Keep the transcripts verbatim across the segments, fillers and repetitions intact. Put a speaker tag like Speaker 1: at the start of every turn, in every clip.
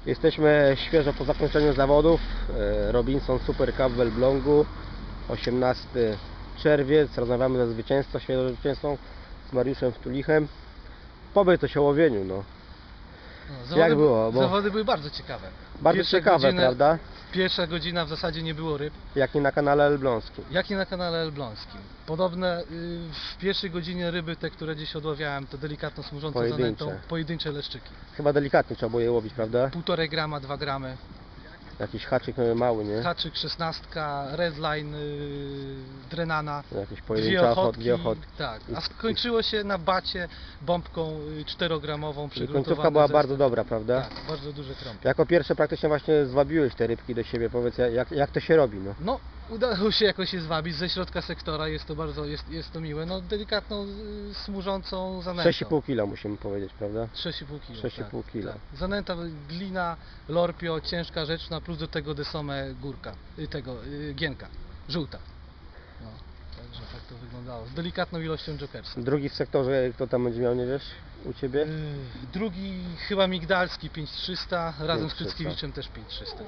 Speaker 1: Jesteśmy świeżo po zakończeniu zawodów. Robinson Super Cup w Elblągu. osiemnasty czerwiec. Rozmawiamy ze zwycięzcą, świeżo zwycięzcą, z Mariuszem Wtulichem. Powiedz coś o łowieniu, no.
Speaker 2: No, zawody,
Speaker 1: Jak było? Bo
Speaker 2: zawody były bardzo ciekawe.
Speaker 1: bardzo
Speaker 2: Pierwsze
Speaker 1: ciekawe,
Speaker 2: godziny,
Speaker 1: prawda?
Speaker 2: Pierwsza godzina w zasadzie nie było ryb.
Speaker 1: Jak nie na kanale elbląskim.
Speaker 2: Jak i na kanale elbląskim. Podobne y, w pierwszej godzinie ryby, te które dziś odławiałem, to delikatno smużące
Speaker 1: Pojedyncze.
Speaker 2: zanętą, pojedyncze leszczyki.
Speaker 1: Chyba delikatnie trzeba było je łowić, prawda?
Speaker 2: Półtorej grama, dwa gramy.
Speaker 1: Jakiś haczyk mały, nie?
Speaker 2: Haczyk szesnastka, redline, y, drenana.
Speaker 1: Jakieś
Speaker 2: Dwie
Speaker 1: pojedyncze ochotki,
Speaker 2: ochotki,
Speaker 1: dwie ochotki.
Speaker 2: tak, a skończyło się na bacie bombką y, czterogramową
Speaker 1: I
Speaker 2: przygruntowany
Speaker 1: końcówka była
Speaker 2: zestaw.
Speaker 1: bardzo dobra, prawda?
Speaker 2: Tak, bardzo duże trąby.
Speaker 1: Jako pierwsze praktycznie właśnie zwabiłeś te rybki do siebie. Powiedz, jak, jak to się robi, no?
Speaker 2: No, udało się jakoś je zwabić ze środka sektora, jest to bardzo, jest, jest to miłe, no delikatną, y, smużącą zanętą.
Speaker 1: sześć i pół kila musimy powiedzieć, prawda?
Speaker 2: sześć i pół kilo.
Speaker 1: sześć i pół
Speaker 2: tak,
Speaker 1: kila.
Speaker 2: tak. Zanęta, glina, lorpio, ciężka rzecz, na plus do tego desome górka, y, tego, y, gienka, żółta. No, także tak to wyglądało, z delikatną ilością jokersa.
Speaker 1: Drugi w sektorze, kto tam będzie miał, nie wiesz? U Ciebie?
Speaker 2: Y, drugi chyba Migdalski pięć trzysta, razem z
Speaker 1: pięć trzysta.
Speaker 2: Kryckiewiczem też pięć trzysta.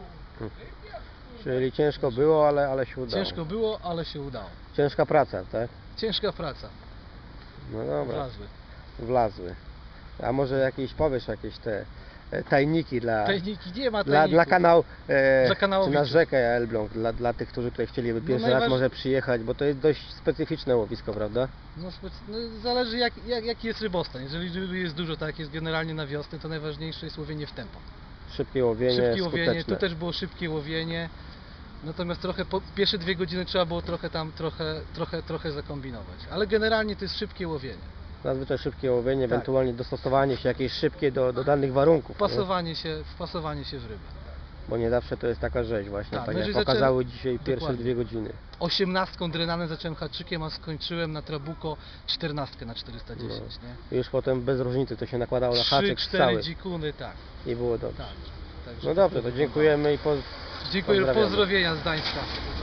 Speaker 1: Czyli ciężko było, ale, ale się udało.
Speaker 2: Ciężko było, ale się udało.
Speaker 1: Ciężka praca, tak?
Speaker 2: Ciężka praca,
Speaker 1: No dobra,
Speaker 2: wlazły.
Speaker 1: wlazły. A może jakieś, powiesz, jakieś te e, tajniki dla,
Speaker 2: Tajniki, nie ma
Speaker 1: dla,
Speaker 2: tajników.
Speaker 1: dla kanał, e,
Speaker 2: Dla
Speaker 1: czy
Speaker 2: kanałowiczów.
Speaker 1: na rzekę Elbląg, dla, dla tych, którzy tutaj chcieliby
Speaker 2: No
Speaker 1: pierwszy raz
Speaker 2: najważ-
Speaker 1: może przyjechać, bo to jest dość specyficzne łowisko, prawda?
Speaker 2: No, spec- no, zależy jak, jak, jaki jest rybostan. Jeżeli ryby jest dużo, tak jak jest generalnie na wiosnę, to najważniejsze jest łowienie w tempo.
Speaker 1: Szybkie łowienie,
Speaker 2: Szybkie łowienie,
Speaker 1: skuteczne.
Speaker 2: tu też było szybkie łowienie. Natomiast trochę po pierwsze dwie godziny trzeba było trochę tam trochę, trochę, trochę zakombinować. Ale generalnie to jest szybkie łowienie.
Speaker 1: Zazwyczaj szybkie łowienie,
Speaker 2: Tak.
Speaker 1: ewentualnie dostosowanie się jakieś szybkie do, do danych warunków. nie?
Speaker 2: Wpasowanie się, wpasowanie się w rybę.
Speaker 1: Bo nie zawsze to jest taka rzeź właśnie,
Speaker 2: Tak,
Speaker 1: tak,
Speaker 2: no
Speaker 1: jak
Speaker 2: jeżeli
Speaker 1: pokazały
Speaker 2: zaczę-
Speaker 1: dzisiaj pierwsze
Speaker 2: Dokładnie.
Speaker 1: dwie godziny.
Speaker 2: Osiemnastką drenanem zacząłem haczykiem, a skończyłem na trabuko czternastkę na czterysta dziesięć, nie?
Speaker 1: I już potem bez różnicy to się nakładało na
Speaker 2: Trzy,
Speaker 1: haczyk
Speaker 2: cztery
Speaker 1: cały
Speaker 2: dzikuny, tak.
Speaker 1: i było dobrze.
Speaker 2: tak. Także
Speaker 1: No dobrze, to dziękujemy i po...
Speaker 2: Dziękuję,
Speaker 1: pozdrawiamy.
Speaker 2: pozdrowienia z Gdańska.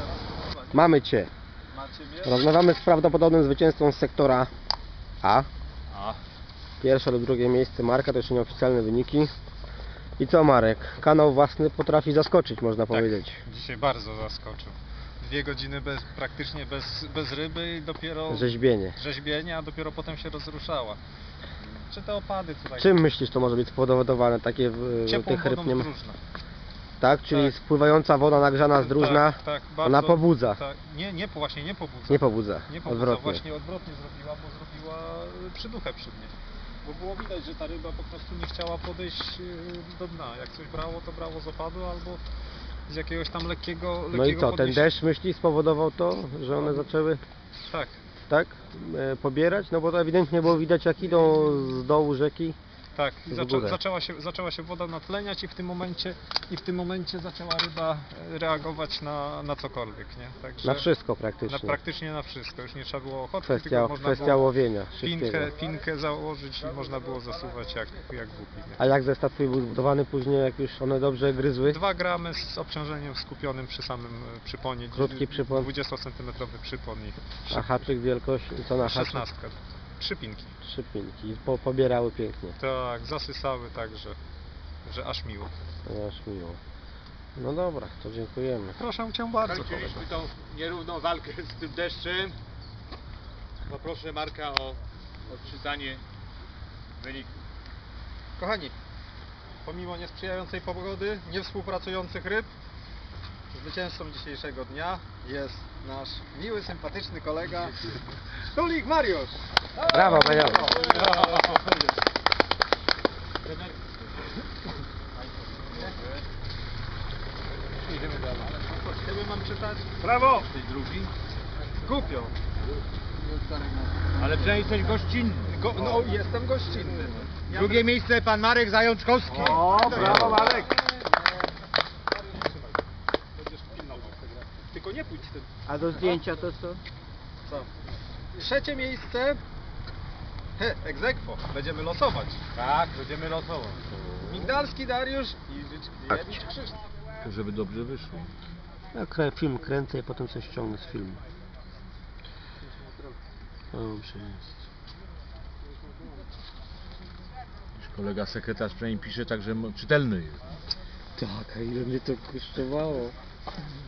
Speaker 1: Mamy Cię. Rozmawiamy z prawdopodobnym zwycięzcą z sektora A.
Speaker 3: A,
Speaker 1: Pierwsze lub drugie miejsce Marka, to jeszcze nieoficjalne wyniki. I co, Marek? Kanał własny potrafi zaskoczyć, można powiedzieć.
Speaker 3: dzisiaj bardzo zaskoczył. Dwie godziny bez, praktycznie bez, bez ryby i dopiero
Speaker 1: Rzeźbienie.
Speaker 3: rzeźbienie, a dopiero potem się rozruszała. Czy te opady tutaj?
Speaker 1: Czym myślisz, to może być spowodowane takie w,
Speaker 3: Ciepłą
Speaker 1: tych ryb
Speaker 3: wodą
Speaker 1: nie ma?
Speaker 3: z Drużna.
Speaker 1: Tak? Czyli
Speaker 3: Tak.
Speaker 1: spływająca woda nagrzana z Drużna,
Speaker 3: Tak, tak,
Speaker 1: ona
Speaker 3: bardzo-
Speaker 1: pobudza.
Speaker 3: Tak, nie, nie, właśnie nie pobudza.
Speaker 1: Nie pobudza,
Speaker 3: Nie pobudza,
Speaker 1: odwrotnie.
Speaker 3: właśnie odwrotnie zrobiła, bo zrobiła y, przyduchę przy dnie. Bo było widać, że ta ryba po prostu nie chciała podejść y, do dna. Jak coś brało, to brało z opadu albo z jakiegoś tam lekkiego, lekkiego
Speaker 1: No i co, ten
Speaker 3: podniesienia.
Speaker 1: deszcz myśli spowodował to, że one zaczęły
Speaker 3: Tak.
Speaker 1: tak e, pobierać? No bo to ewidentnie było widać, jak idą z dołu rzeki.
Speaker 3: Tak, i
Speaker 1: w
Speaker 3: zaczę,
Speaker 1: górę.
Speaker 3: zaczęła, się, zaczęła się woda natleniać i w tym momencie, i w tym momencie zaczęła ryba e, reagować na, na cokolwiek, nie? Także
Speaker 1: Na wszystko
Speaker 3: na,
Speaker 1: praktycznie.
Speaker 3: praktycznie na wszystko. Już nie trzeba było ochotki,
Speaker 1: Kwestia,
Speaker 3: tylko można
Speaker 1: kwestia
Speaker 3: było
Speaker 1: łowienia, szybkiego.
Speaker 3: pinkę, pinkę założyć i można było zasuwać jak, jak głupi. Nie?
Speaker 1: A jak zestaw twój był zbudowany później, jak już one dobrze gryzły?
Speaker 3: Dwa gramy z obciążeniem skupionym przy samym e, przyponie.
Speaker 1: Krótki przypon.
Speaker 3: dwudziestocentymetrowy przypon i
Speaker 1: A haczyk wielkość, co na haczyk?
Speaker 3: szesnastka. Trzy pinki.
Speaker 1: Trzy pinki. Po, pobierały pięknie.
Speaker 3: Tak, zasysały tak, że, że aż miło.
Speaker 1: No, aż miło. No dobra, to dziękujemy.
Speaker 3: Proszę cię bardzo.
Speaker 4: Kończyliśmy tą nierówną walkę z tym deszczem. Poproszę Marka o odczytanie wyniku.
Speaker 3: Kochani, pomimo niesprzyjającej pogody, niewspółpracujących ryb, zwycięzcą dzisiejszego dnia jest nasz miły, sympatyczny kolega Wtulik Mariusz.
Speaker 1: Brawo, Mariusz.
Speaker 3: Idziemy dalej. Ciebie mam czytać?
Speaker 4: Brawo! Tej drugi.
Speaker 3: Głupio.
Speaker 4: Ale przynajmniej coś gościnny.
Speaker 3: Go, no, jestem gościnny. Ja
Speaker 4: Drugie miejsce pan Marek Zajączkowski.
Speaker 3: O, brawo Marek! Będziesz pilnował tego. Tylko nie pójdź z tym.
Speaker 1: A do zdjęcia to co?
Speaker 3: Co? Trzecie miejsce. He, ex aequo. Będziemy losować.
Speaker 4: Tak, będziemy losować.
Speaker 3: Migdalski Dariusz i Życzkiewicz Krzysztof.
Speaker 4: Żeby dobrze wyszło.
Speaker 1: Ja krę, film kręcę i potem coś ściągnę z filmu. Dobrze jest.
Speaker 4: Kolega sekretarz przynajmniej pisze tak, że mo- czytelny jest.
Speaker 5: Tak, a ile mnie to kosztowało?